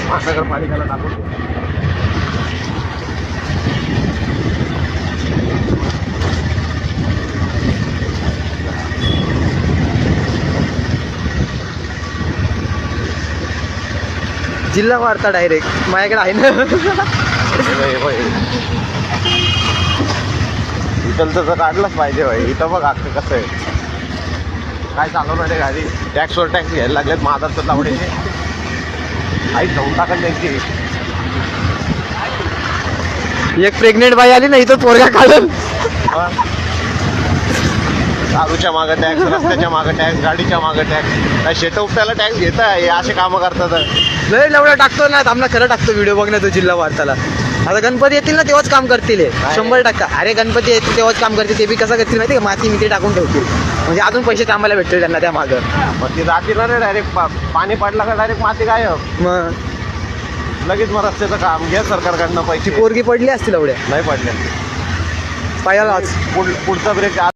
महानगरपालिकेला टाकून जिल्हा वार्ता डायरेक्ट माझ्याकडे आहे ना. इथलचं तर काढलंच पाहिजे भाई. इथं बघ अख्खं कसं आहे, काय चालवणार आहे गाडी. टॅक्सवर टॅक्स घ्यायला लागलेत महाराष्ट्रात लावण्याचे. आई जाऊन टाकल त्यांची. एक प्रेग्नेंट बाई आली ना इथं पोरगा काढल. दारूच्या मागं टॅक्स, रस्त्याच्या मागं टॅक्स, गाडीच्या मागं टॅक्स. काय शेत उपटायला टॅक्स घेत आहे, असे कामं करतात. लय लवडा टाकतो ना आमना, खरं टाकतो व्हिडिओ बघ ना तो जिल्हा वार्ताला. आता गणपती येतील ना तेव्हाच काम करतील हे. 100%. अरे गणपती येतील तेव्हाच काम करतील. ते बी कसं करतील माहिती का, माती मिती टाकून ठेवतील म्हणजे अजून पैसे कामाला भेटतील त्यांना त्या मागं. मग ती जातील ना डायरेक्ट. पाणी पडलं का डायरेक्ट माती गायब. मग लगेच मग रस्त्याचं काम घ्या सरकारकडनं ती पैसे. पोरगी पडली असतील एवढ्या नाही पडले. पायालाच. पुढचा ब्रेक